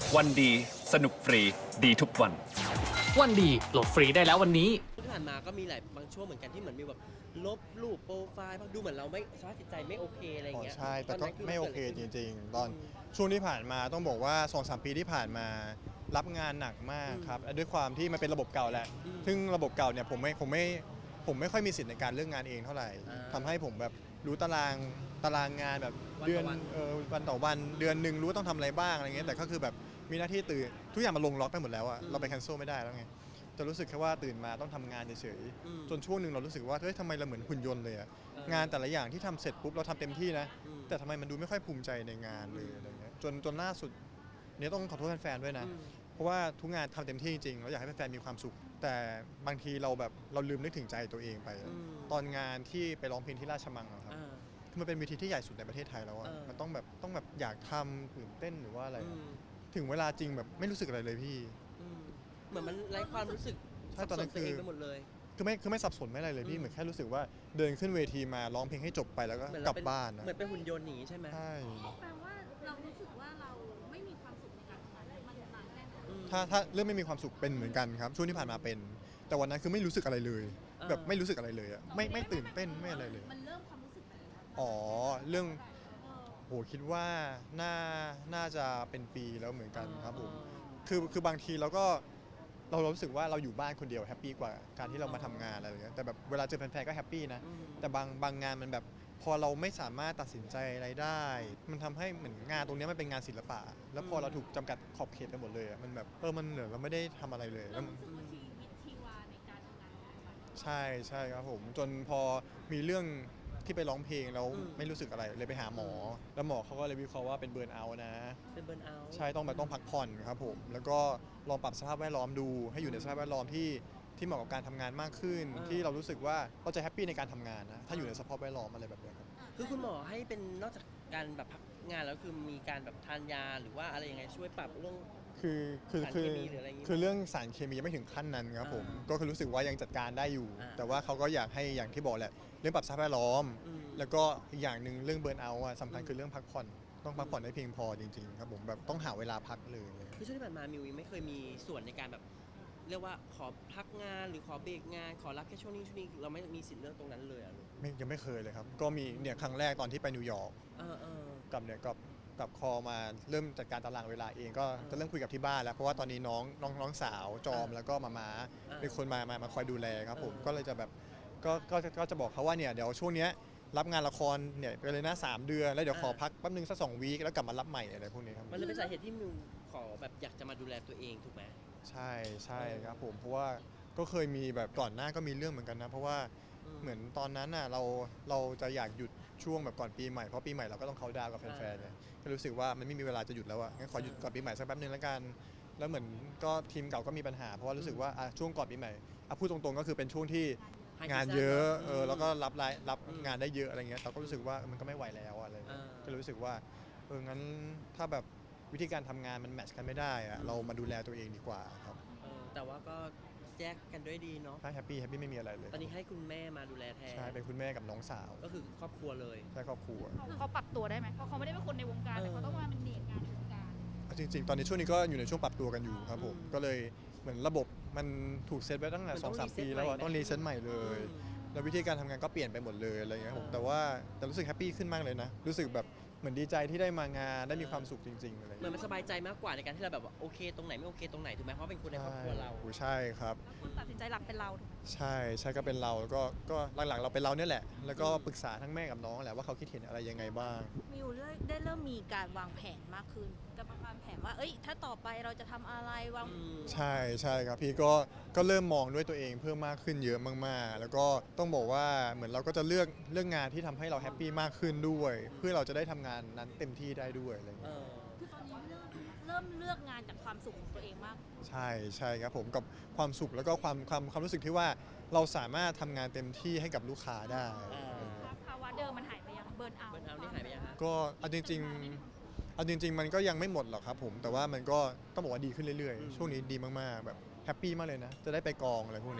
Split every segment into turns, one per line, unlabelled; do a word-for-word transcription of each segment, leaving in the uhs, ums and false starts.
วันดีสนุกฟรีดีทุกวัน
วันดีโหลดฟรีได้แล้ววันนี้
ที่ผ่านมาก็มีหลายบางช่วงเหมือนกันที่เหมือนมีแบบลบรูปโปรไฟล์ดูเหมือนเราไม่สภาพจิตใจไม่โอเคอะไรอย่างเงี้ย
ใช่แต่ก็ไม่โอเคจริงๆ ตอน
อืม
ช่วงที่ผ่านมาต้องบอกว่า สองสาม ปีที่ผ่านมารับงานหนักมากครับและด้วยความที่มันเป็นระบบเก่าแหละ
อืม
ซึ่งระบบเก่าเนี่ยผมไม่ผมไม่ผมไม่ค่อยมีสิทธิ์ในการเลือกงานเองเท่าไหร่
อ่า
ทำให้ผมแบบรู้ตารางตารางงานแบบ
วันต่อ
เดือน
วัน
เออวันต่อวันเดือนหนึ่งรู้ว่าต้องทำอะไรบ้างอะไรเงี้ยแต่ก็คือแบบมีหน้าที่ตื่นทุกอย่างมันลงล็อกไปหมดแล้วอะเราไปแคนเซิลไม่ได้แล้วไงจะรู้สึกแค่ว่าตื่นมาต้องทำงานเฉย
อืม
ๆจนช่วงหนึ่งเรารู้สึกว่าเฮ้ยทำไมเราเหมือนหุ่นยนต์เลยอะ
เออง
านแต่ละอย่างที่ทำเสร็จปุ๊บเราทำเต็มที่นะ
อืม
แต่ทำไมมันดูไม่ค่อยภูมิใจในงานเลยอะไรเงี้ยจนจนล่าสุดเนี่ยต้องขอโทษแฟนๆด้วยนะ
อืม
เพราะว่าทุกงานทำเต็มที่จริงๆเราอยากให้แฟนๆมีความสุข แต่บางทีเราแบบเราลืมนึกถึงใจตัวเองไป
อืม
ตอนงานที่ไปร้องเพลงที่ราชมังอะครับ
อ่า
คือมันเป็นเวทีที่ใหญ่สุดในประเทศไทยแล้วอะ
เออ
มันต้องแบบต้องแบบอยากทำตื่นเต้นหรือว่าอะไร
อืม
ถึงเวลาจริงแบบไม่รู้สึกอะไรเลยพี่
อืมเหมือนมันไร้ความรู้สึก
ใช่ตอนนั้น
สับสตัวเอง
คือ
ไปหมดเลย
คือไม่คือไม่สับสนไม่อะไรเลยพี่
อืม
เหมือนแค่รู้สึกว่าเดินขึ้นเวทีมาร้องเพลงให้จบไปแล้วก็
เหมือน
ก
เรา
ลับ
เป็น
บ้านนะ
เหมือนเป็นหุ่นยนต์หนีใช่ไหม
ใช่
แปลว่าเรารู้สึกว่าเราไม่มีความสุขในการทำงานมันนานแค่ไหน
อืม
ถ้าถ้าเรื่องไม่มีความสุขเป็นเหมือนกันครับช่วงที่ผ่านมาเป็น แต่วันนั้นคือไม่รู้สึกอะไรเลย
อ่า
แบบไม่รู้สึกอะไรเลยอะไม่ไม่ตื่นเต้นไม่อะไรเลย
มันเริ่มความรู้สึกไหนนะ
อ๋อเรื่อง
เออ
โหคิดว่าน่าน่าจะเป็นปีแล้วเหมือนกันครับผม
อ๋อ
คือคือบางทีเราก็เรารู้สึกว่าเราอยู่บ้านคนเดียวแฮปปี้กว่าการที่เรามาทำงานอะไรอย่างเงี้ยแต่แบบเวลาเจอแฟนๆก็แฮปปี้นะ
อืม
แต่บางบางงานมันแบบพอเราไม่สามารถตัดสินใจอะไรได้ มันทำให้เหมือนงานตรงเนี้ยมันเป็นงานศิลปะ แล้วพอเราถูกจำกัดขอบเขตไปหมดเลยอะมันแบบเออมันเหลือเราไม่ได้ทำอะไรเลยแล้ว
เรารู้สึกว่าชีวิตชีวาในการทำงานของเรา
ใช่ใช่ครับผมจนพอมีเรื่องที่ไปร้องเพลงแล้ว
อืม
ไม่รู้สึกอะไรเลยไปหาหมอ แล้วหมอเขาก็เลยวิเคราะห์ว่าเป็นเบิร์นเอาท์นะ
เป็นเบิร์นเอาท์
ใช่ต้องแบบต้องพักผ่อนครับผมแล้วก็ลองปรับสภาพแวดล้อมดู ให้อยู่ในสภาพแวดล้อมที่ที่เหมาะกับการทำงานมากขึ้น ที่เรารู้สึกว่าเราจะแฮปปี้ในการทำงานนะถ้าอยู่ในสภาพแวดล้อมอะไรแบบเนี้ยครับ
คือคุณหมอให้เป็นนอกจากการแบบพักงานแล้วคือมีการแบบทานยาหรือว่าอะไรยังไงช่วยปรับเรื่อง
คือคือ
สาร
คือ
เคมีหรืออะไรอย่างงี้
คือเรื่องสารเคมียังไม่ถึงขั้นนั้นครับผม
อ่า
ก็คือรู้สึกว่ายังจัดการได้อยู่
อ่า
แต่ว่าเขาก็อยากให้อย่างที่บอกแหละเรื่องปรับสภาพแวดล้อม
อืม
แล้วก็อีกอย่างหนึ่งเรื่องเบิร์นเอาท์อะสำคัญ
อืม
คือเรื่องพักผ่อนต้องพักผ่อนให้เพียงพอจริงๆครับผมแบบต้องหาเวลาพักเลย
คือช่วงที่ผ่านมามิวยังไม่เคยมีส่วนในการแบบ เรียกว่าขอพักงานหรือขอเบรกงานขอรับแค่ช่วงนี้ช่วงนี้เราไม่มีสิทธิ์เลือกตรงนั้นเลยอ่ะลูก
ไม่ยังไม่เคยเลยครับ ก็มีเนี่ยครั้งแรกตอนที่ไปนิวยอร์ก
เออเออ
กับเนี่ยกับกับคอมาเริ่มจัดการตารางเวลาเองก็
อ่า
จะเริ่มคุยกับที่บ้านแล้ว เพราะว่าตอนนี้น้องน้องน้องสาวจอม
อ่า
แล้วก็มามา
อ่า
เป็นคนมามามาคอยดูแลครับผม
อ่า
ก็เลยจะแบบก็ก็ก็จะบอกเขาว่าเนี่ยเดี๋ยวช่วงเนี้ยรับงานละครเนี่ยไปเลยนะสามเดือนแล้วเดี๋ยวขอพักแป๊บนึงสักสองวีคแล้วกลับมารับใหม่อะไรพวกนี้ครับ
มันเลยเป็นสาเหตุที่มิวขอแบบอยากจะมาดูแลตัวเองถูกไหม
ใช่ใช่ครับผมเพราะว่าก็เคยมีแบบก่อนหน้าก็มีเรื่องเหมือนกันนะ เพราะว่า
อืม
เหมือนตอนนั้นน่ะเราเราจะอยากหยุดช่วงแบบก่อนปีใหม่เพราะปีใหม่เราก็ต้องเขาน์ดาวน์กับแฟนๆเนี่ยก็รู้สึกว่ามันไม่มีเวลาจะหยุดแล้วอ่ะงั้นขอหยุดก่อนปีใหม่สักแป๊บนึงแล้วกัน แล้วเหมือนก็ทีมเก่าก็มีปัญหา เพราะว่ารู้สึกว่าอ่ะช่วงก่อนปีใหม่อ่ะพูดตรงๆก็คือเป็นช่วงที่
High
งาน
season
เยอะ
เนอะ
เออแล้วก็รับรายรับ
อืม
งานได้เยอะอะไรเงี้ยเราก็รู้สึกว่ามันก็ไม่ไหวแล้วอะไรเงี้ย
อ่า
ก็เลยรู้สึกว่าเอองั้นถ้าแบบวิธีการทำงานมันแมทช์กันไม่ได้อะเรามาดูแลตัวเองดีกว่าครับ
เออแต่ว่าก็แยกกันด้วยดีเนาะ
ถ้าแฮปปี้แฮปปี้ไม่มีอะไรเลย
ตอนนี้ให้คุณแม่มาดูแลแทน
ใช่เป็นคุณแม่กับน้องสาว
ก็คือครอบครัวเลย
ใช่ครอบครัว
เขาปรับตัวได้ไหมเพราะเขาไม่ได้เป็นคนในวงการ
เออ
แต่เขาต้องมาเป็นเด็กงานในวงการ
เอาจริงๆ ตอนนี้ช่วงนี้ก็อยู่ในช่วงปรับตัวกันอยู่ครับผม
อืม
ก็เลยเหมือนระบบมันถูกเซตไว้ตั้งแต่
มัน
ส
ต้
อ
อง
งสาม
reset
ปีแล้วอะ
ใหม่ไหม
ต้องรีเซ็ตใหม่เลย
อืม
แล้ววิธีการทำงานก็เปลี่ยนไปหมดเลยอะไรเงี้ยครับผม
อ่า
แต่ว่าแต่รู้สึกแฮปปี้ขึ้นมากเลยนะ รู้สึกแบบเหมือนดีใจที่ได้มางานได้มีความสุขจริงๆอะไร
เหมือน
เงี้ย
มันสบายใจมากกว่าในการที่เราแบบว่าโอเคตรงไหนไม่โอเคตรงไหนถูกไหมเพราะเป็นคนในครอบครัวเรา
โอ้ใช่ครับ
คนตัดสินใจหลักเป็นเราถูกไหม
ใช่ใช่ก็เป็นเราแล้วก็ก็หลักๆเราเป็นเราเนี่ยแหละ แล้วก็
อืม
ปรึกษาทั้งแม่กับน้องแหละว่าเขาคิดเห็นอะไรยังไงบ้าง
มิวได้เริ่มมีการวางแผนมากขึ้นจะวางแผนว่า เอ้ย ถ้าต่อไปเราจะทำอะไรวาง
อืม
ใช่ใช่ครับพี่ก็ก็เริ่มมองด้วยตัวเองเพิ่มมากขึ้นเยอะมากๆ แล้วก็ต้องบอกว่าเหมือนเราก็จะเลือกเลือกงานที่ทำให้เราแฮปปี้มากขึ้นด้วย เพื่อเราจะได้ทำงานนั้นเต็มที่ได้ด้วยอะไรอย่าง
เอ
เงี้ย
อ
คือตอนนี้เริ่มเริ่มเลือกงานจากความสุขของตัวเองมาก
ใช่ใช่ครับผมกับความสุขแล้วก็ความความความรู้สึกที่ว่าเราสามารถทำงานเต็มที่ให้กับลูกค้าได้
อ่า
ภาวะเดิมมันหายไปยังเบิร์นเอา
เบิร์นเอาท์นี่หายไปยังฮะ
ก็เอาจริงๆเอาจริง ๆ มันก็ยังไม่หมดหรอกครับผมแต่ว่ามันก็ต้องบอกว่าดีขึ้นเรื่อย
อืม
ๆ ช่วงนี้ดีมากๆแบบแฮปปี้มากเลยนะ จะได้ไปกองอะไรพวกเนี้ย
เออ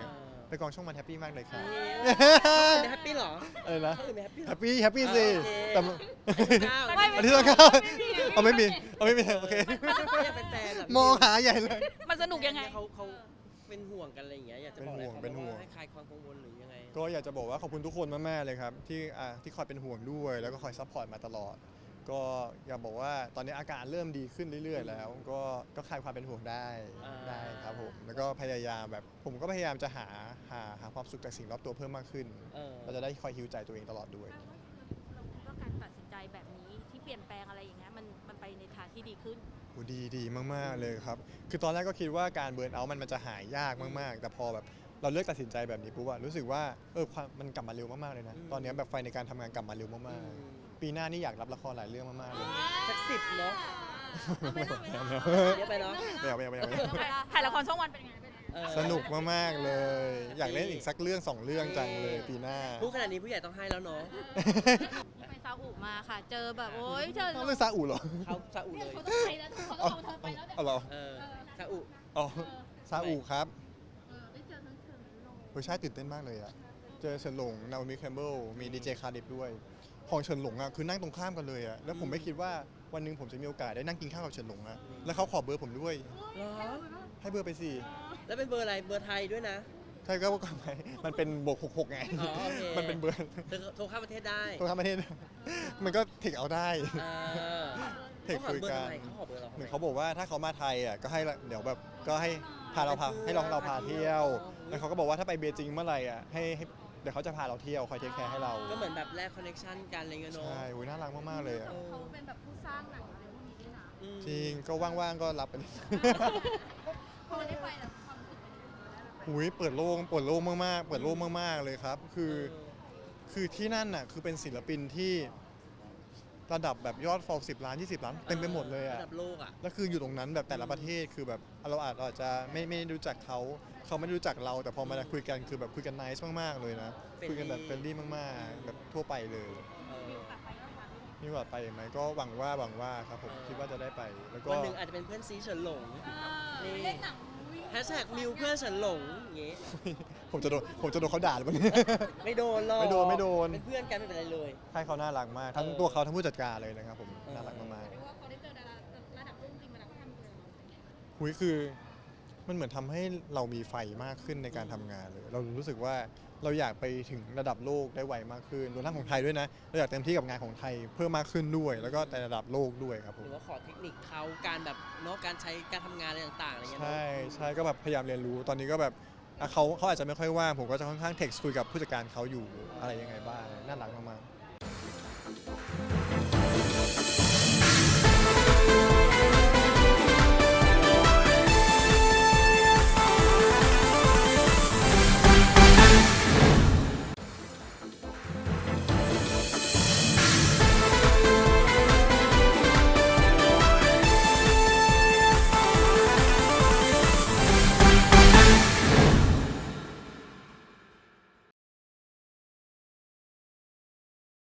ไปกองช่องวันแฮปปี้มากเลยครับ
แฮปปี้เหรอ
อะไรนะ
เขาอื่นไม่แฮปปี้เหร
แฮ
อ
ปปี้แฮปปี้สิ
โอเค
แต่มัน
ไม่
อันที่ต้องเข้าเอาไม่มีเอาไม่มีโอเค
อยากเป็นแฟนเหร
มองหาใหญ่เลย
มันสนุกยังไง
เขาเขาเป็นห่วงกันอะไรอย่างเงี้ยอยากจะบอกอะไรเขา
เป็นห่วง
ว่าให้คลายความกังวลหรือยังไง
ก็อยากจะบอกว่าขอบคุณทุกคนมากๆเลยครับที่อ่าที่คอยเป็นห่วงด้วย แล้วก็คอยซัพพอร์ตมาตลอด ก็อยากบอกว่าตอนนี้อาการเริ่มดีขึ้นเรื่อยๆ แล้ว ก็ก็คลายความเป็นห่วงได้
อ่า
ได้ครับผมแล้วก็พยายามแบบผมก็พยายามจะหาหาหาความสุขจากสิ่งรอบตัวเพิ่มมากขึ้น
เออ
เราจะได้คอยฮิวใจตัวเองตลอดด้วย
เราคิดว่าการตัดสินใจแบบนี้ที่เปลี่ยนแปลงอะไรอย่างเงี้ยมันมันไปในทางที่ดีขึ้น
โอ้ดีดีมากๆเลยครับ คือตอนแรกก็คิดว่าการเบิร์นเอาท์มันมันจะหายยากมากๆ แต่พอแบบเราเลือกตัดสินใจแบบนี้ปุ๊บอะรู้สึกว่าเออความมันกลับมาเร็วมากๆเลยนะ
อืม
ตอนนี้แบบไฟในการทำงานกลับมาเร็ว
อื
มาก
ม
ๆ ปีหน้านี่อยากรับละครหลายเรื่องมากๆเลย
สักสิบเนาะ
ไม่เอาไม่เอา
เยอะไปเนาะ
ไม่เอาไม่เอาไม่เอาไม่เอา
ถ่ายละครช่องวันเป็นไงเป็นไง
เออ
สนุกมากๆเลย อยากเล่นอีกสักเรื่องสองเรื่องจังเลยปีหน้า
พูดขนาดนี้ผู้ใหญ่ต้องให้แล้วเนาะ
ไปซาอุมาค่ะ เจอแบบโอ๊ยเจอ
ต้องเรื่องซาอุเหรอ
เขาซาอุเลย
เขาต้องไปแล้วเขาต้องเอาเธอไปแล้วเนี่ย
เอาเหรอ
เออซาอุ
อ๋อซาอุครับ
เออได้เจอทั้งเชิงยุโรป
โอ้ยใช่ตื่นเต้นมากเลยอะเจอเฉินหลงนาโอมิแคมเบิลมีดีเจคาร์ดิฟด้วยของเฉินหลงอะคือนั่งตรงข้ามกันเลยอะแล้วผมไม่คิดว่าวันหนึ่งผมจะมีโอกาสได้นั่งกินข้าวกับเฉินหลงอะแล้วเขาขอเบอร์ผมด้วย
เหรอ
ให้เบอร์ไปสิ
แล้วเป็นเบอร์อะไรเบอร์ไทยด้วยนะ
ใช่ก็ว่าไงมันเป็นบวกหกหกไง
อ๋อโอเค
มันเป็นเบอร์
เธอโทรเข้าประเทศได้
ตรงข้ามประเทศ มันก็เทคเอาได้
เออ
เทคคุยกัน
เขาขอเบอร์ทำไมเขาขอเบอร์เราทำ
เหมื
ไม
อนเขาบอกว่าถ้าเขามาไทยอ่ะก็ให้ละเดี๋ยวแบบก็ให้พาเราพาให้เราเราพาเที่ยว แล้วเขาก็บอกว่าถ้าไปเบจิงเมื่อไหร่อ่ะให้ให้เดี๋ยวเขาจะพาเราเที่ยวคอยเทคแคร์ให้เรา
ก็เหมือนแบบแลกคอนเนคชั่นกันอะไรเงี้ยเนาะ
ใช่โอ้ยน่ารักมากๆเลยอ่ะ
เออ
เขาเป็นแบบผู้สร้างหนังอะไรพวกนี้ด้วยนะ
อืม
จริงก็ว่างๆก็รับไป
พอได้ไปแล้วความรู้สึกเป็นยังไง
หุยเปิดโล่งเปิดโล่งมากๆ เปิดโล่งมากๆเลยครับ คือคือที่นั่นน่ะคือเป็นศิลปินที่ระดับแบบยอดฟอลสิบล้านยี่สิบล้านเต็มไปหมดเลยอ่ะ
ระดับโลกอ่ะ
แล้วคืออยู่ตรงนั้นแบบแต่ละประเทศคือแบบเราอาจเราอาจจะไม่ไม่ได้รู้จักเขาเขาไม่ได้รู้จักเรา แต่พอมาคุยกันคือแบบคุยกันไนซ์มากๆเลยนะ
Friendly
คุยกันแบบเฟรนดี้มากๆ แบบทั่วไปเลย
เออ
มีโอกาสไปไหมก็หวังว่าหวังว่าครับผม
เออ
คิดว่าจะได้ไปแล้วก็
วันหนึ่งอาจจะเป็นเพื่อนซีเฉินหลง นี่
เล่นหนัง
แฮชแท็กมิวเพื่อนเฉินหลงอย่างงี้
ผมจะโดนผมจะโดนเขาด่าหรือเปล่าเนี่ย
ไม่โดนหรอก
ไม่โดนไม่โดน
เป็นเพื่อนกันไม่เป็นไรเลย
ใช่เขาน่ารักมากทั้ง
เออ
ตัวเขาทั้งผู้จัดการเลยนะครับผม
เออ
น่ารักมาก
เรียกว่าพอได้เจอดาราระดับโลกจริงเวลาเขาทำเลย
ๆหุยคือมันเหมือนทำให้เรามีไฟมากขึ้นในการทำงานเลย เรารู้สึกว่าเราอยากไปถึงระดับโลกได้ไวมากขึ้นรวมทั้งของไทยด้วยนะเราอยากเต็มที่กับงานของไทยเพิ่มมากขึ้นด้วย แล้วก็ในระดับโลกด้วยครับผ
ห
ม
รือว่าขอเทคนิคเขาการแบบเนาะการใช้การทำงานอะไรต่างๆอะไรเงี้ยเนอะ
ใช่ใช่ก็แบบพยายามเรียนรู้ตอนนี้ก็แบบอ่ะเขาเขาอาจจะไม่ค่อยว่างผมก็จะค่อนข้างเท็กซ์คุยกับผู้จัดการเขาอยู่อะไรยังไงบ้างน่ารักมากๆ